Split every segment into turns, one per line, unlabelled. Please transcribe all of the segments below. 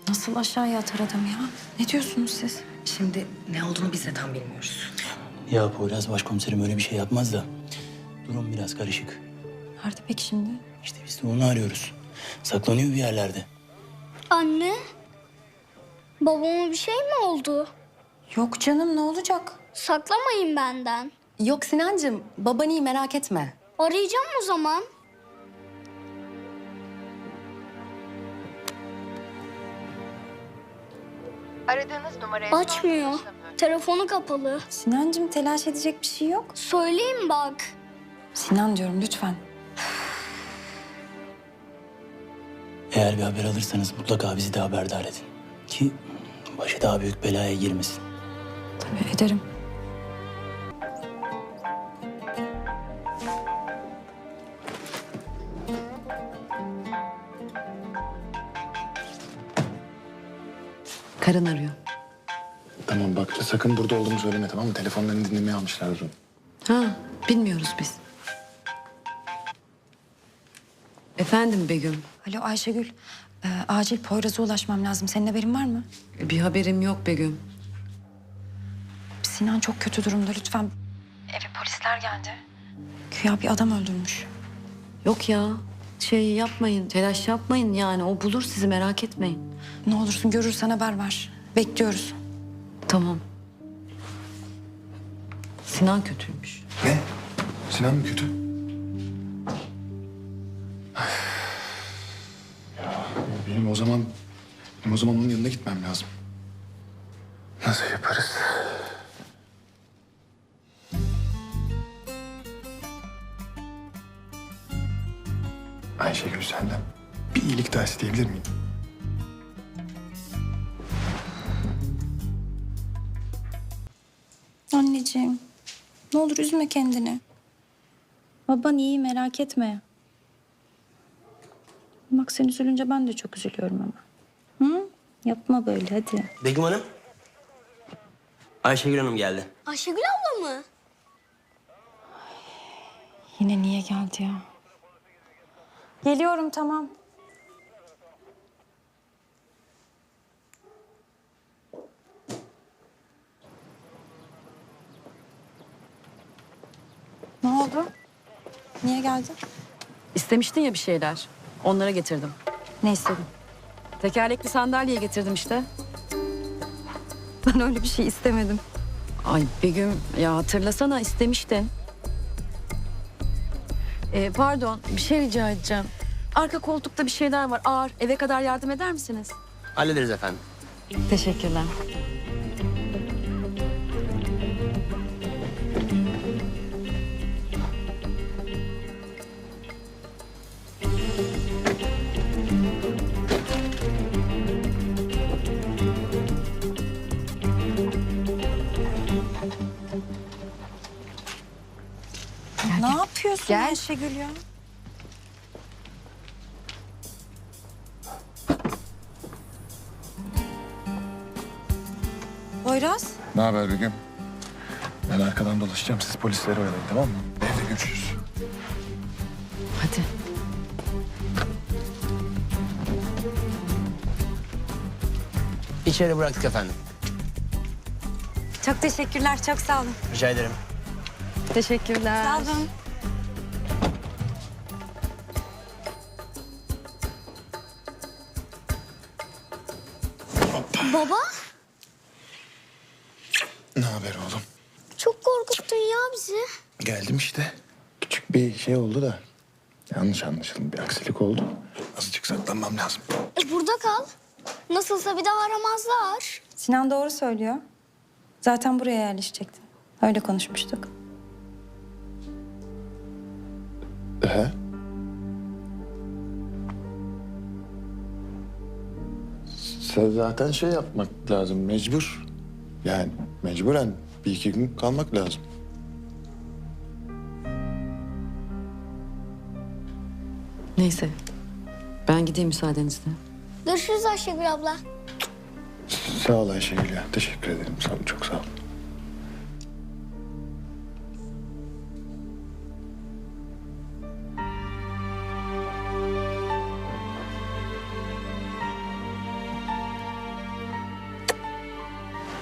Nasıl aşağıya atar adam ya? Ne diyorsunuz siz?
Şimdi ne olduğunu biz de tam bilmiyoruz.
Ya Poyraz başkomiserim öyle bir şey yapmaz da. Durum biraz karışık.
Nerede peki şimdi?
İşte biz de onu arıyoruz. Saklanıyor bir yerlerde.
Anne, babama bir şey mi oldu?
Yok canım, ne olacak?
Saklamayın benden.
Yok Sinancığım, baban iyi merak etme.
Arayacağım o zaman.
Aradığınız numaraya
Açmıyor. Telefonu kapalı.
Sinancığım, telaş edecek bir şey yok.
Söyleyeyim bak.
Sinan diyorum, lütfen.
Eğer bir haber alırsanız mutlaka bizi de haberdar edin. Ki başı daha büyük belaya girmesin.
Tabii ederim.
Karın arıyor.
Tamam bak sakın burada olduğumu söyleme, tamam mı? Telefonlarını dinlemeye almışlar onu.
Ha, bilmiyoruz biz. Efendim Begüm,
Alo Ayşegül, acil Poyraz'a ulaşmam lazım. Senin haberin var mı?
bir haberim yok Begüm.
Sinan çok kötü durumda, lütfen. Eve polisler geldi. Güya bir adam öldürmüş.
Yok ya, şey yapmayın, telaş yapmayın yani. O bulur sizi, merak etmeyin.
Ne olursun görürsen haber ver. Bekliyoruz.
Tamam. Sinan kötüymüş.
Ne? Sinan mı kötü? Ya benim o zaman onun yanına gitmem lazım. Nasıl yaparız? Ayşegül, senden bir iyilik daha isteyebilir miyim?
Anneciğim, ne olur üzme kendini. Baban iyi, merak etme. Bak sen üzülünce ben de çok üzülüyorum ama. Hı? Yapma böyle, hadi.
Begüm Hanım. Ayşegül Hanım geldi.
Ayşegül abla mı?
Yine niye geldi ya? Geliyorum, tamam. Ne oldu? Niye geldin?
İstemiştin ya bir şeyler. Onlara getirdim.
Ne istedin?
Tekerlekli sandalye getirdim işte.
Ben öyle bir şey istemedim.
Ay Begüm, ya hatırlasana istemiştin. Pardon, bir şey rica edeceğim. Arka koltukta bir şeyler var ağır. Eve kadar yardım eder misiniz?
Hallederiz efendim.
Teşekkürler.
Ne yapıyorsun Ayşegül ya? Poyraz,
Ne haber Begüm? Ben arkadan dolaşacağım. Siz polisleri oyalayın, tamam mı? Evde görüşürüz.
Hadi.
İçeri bıraktık efendim.
çok teşekkürler, çok sağ olun.
Rica ederim.
Teşekkürler.
Sağ olun.
Baba,
Ne haber oğlum?
çok korkuttun ya bizi.
Geldim işte. Küçük bir şey oldu da. Yanlış anlaşıldı. Bir aksilik oldu. Azıcık saklanmam lazım.
Burada kal. Nasılsa bir daha aramazlar.
Sinan doğru söylüyor. Zaten buraya yerleşecektin. Öyle konuşmuştuk.
He? Zaten şey yapmak lazım. Mecbur. Yani mecburen bir iki gün kalmak lazım.
Neyse. Ben gideyim müsaadenizle.
Görüşürüz Ayşegül abla.
Sağ ol Ayşegül ya. Teşekkür ederim. Sağ ol, çok sağ ol.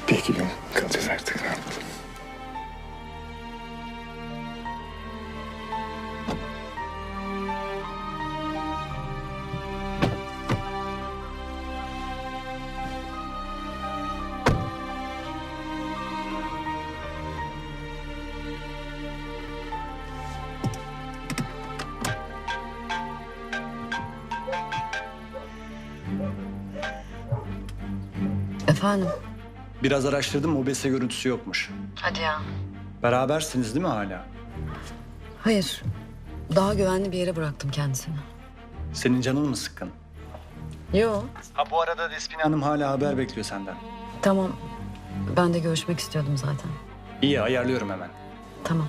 Bir iki gün kalacağız artık. Ne yapalım?
Efendim?
Biraz araştırdım, mobese görüntüsü yokmuş.
Hadi ya.
Berabersiniz değil mi hala?
Hayır. Daha güvenli bir yere bıraktım kendisini.
Senin canın mı sıkkın?
Yo.
Ha bu arada Despina Hanım hala haber bekliyor senden.
Tamam. Ben de görüşmek istiyordum zaten.
İyi, ayarlıyorum hemen.
Tamam.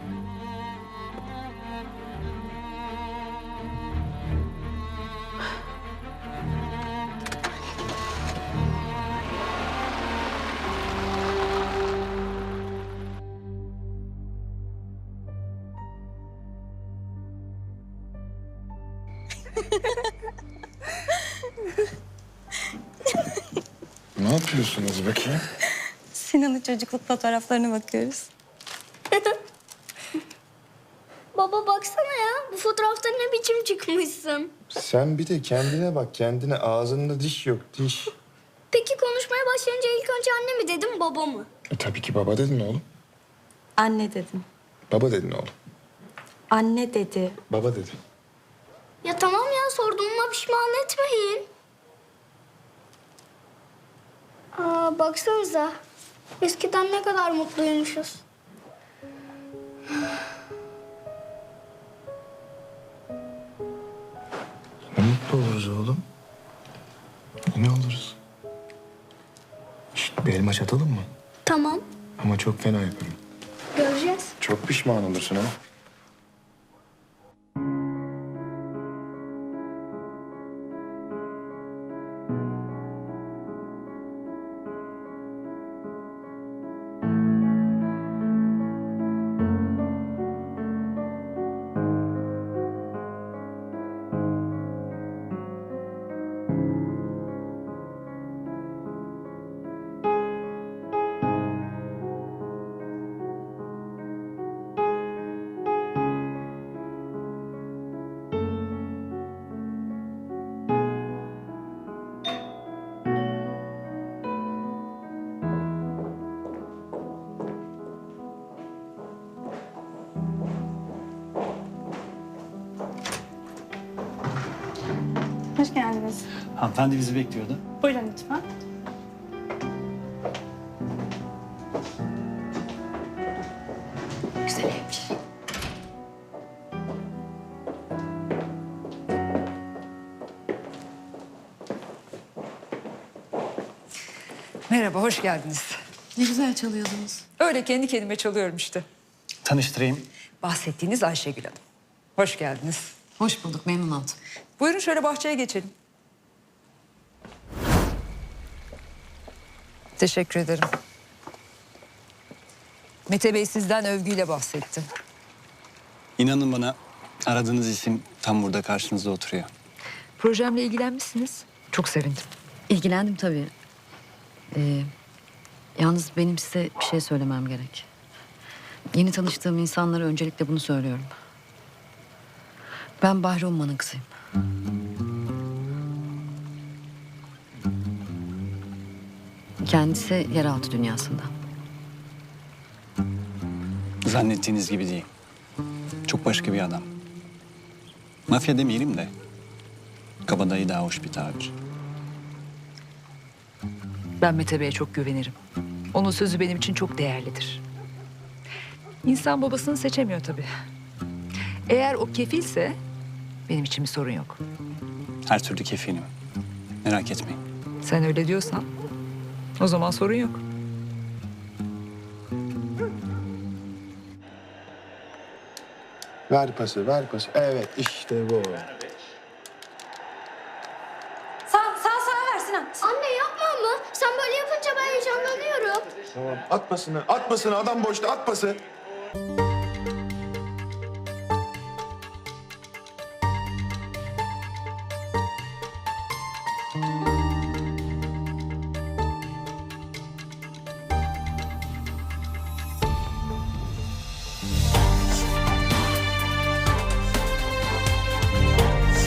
Ne yapıyorsunuz bakayım?
Sinan'ın çocukluk fotoğraflarına bakıyoruz.
Baba baksana ya. Bu fotoğrafta ne biçim çıkmışsın.
Sen bir de kendine bak. Kendine ağzında diş yok, diş.
Peki konuşmaya başlayınca ilk önce anne mi dedim baba mı?
Tabii ki baba dedin oğlum.
Anne dedim.
Baba dedin oğlum.
Anne dedi.
Baba dedin.
Ya tamam ya sorduğuma pişman etmeyin. Baksanıza. Eskiden ne kadar mutluymuşuz.
Ne mutlu oluruz oğlum. Ne oluruz? Şişt, bir elma çatalım mı?
Tamam.
Ama çok fena yaparım.
Göreceğiz.
Çok pişman olursun ha.
Hoş geldiniz.
Hanımefendi bizi bekliyordu.
Buyurun lütfen.
Güzelmiş.
Merhaba, hoş geldiniz.
Ne güzel çalıyordunuz.
Öyle kendi kendime çalıyorum işte.
Tanıştırayım.
Bahsettiğiniz Ayşegül Hanım. Hoş geldiniz.
Hoş bulduk. Memnun oldum.
Buyurun şöyle bahçeye geçelim. Teşekkür ederim. Mete Bey sizden övgüyle bahsetti.
İnanın bana, aradığınız isim tam burada karşınızda oturuyor.
Projemle ilgilenmişsiniz. Çok sevindim.
İlgilendim tabii. Yalnız benim size bir şey söylemem gerek. Yeni tanıştığım insanlara öncelikle bunu söylüyorum. Ben Bahri Umman'ın kızıyım. Kendisi yeraltı dünyasında.
Zannettiğiniz gibi değil. Çok başka bir adam. Mafya demeyelim de, kabadayı daha hoş bir tabir.
Ben Mete Bey'e çok güvenirim. Onun sözü benim için çok değerlidir. İnsan babasını seçemiyor tabii. Eğer o kefilse benim için bir sorun yok.
Her türlü kefilim. Merak etmeyin.
Sen öyle diyorsan o zaman sorun yok.
Ver pası, ver pası. Evet, işte bu.
Sağ ver Sinan.
Anne yapma mı? Sen böyle yapınca ben heyecanlanıyorum.
Tamam, at pasını, at pasını. Adam boşta, at pası.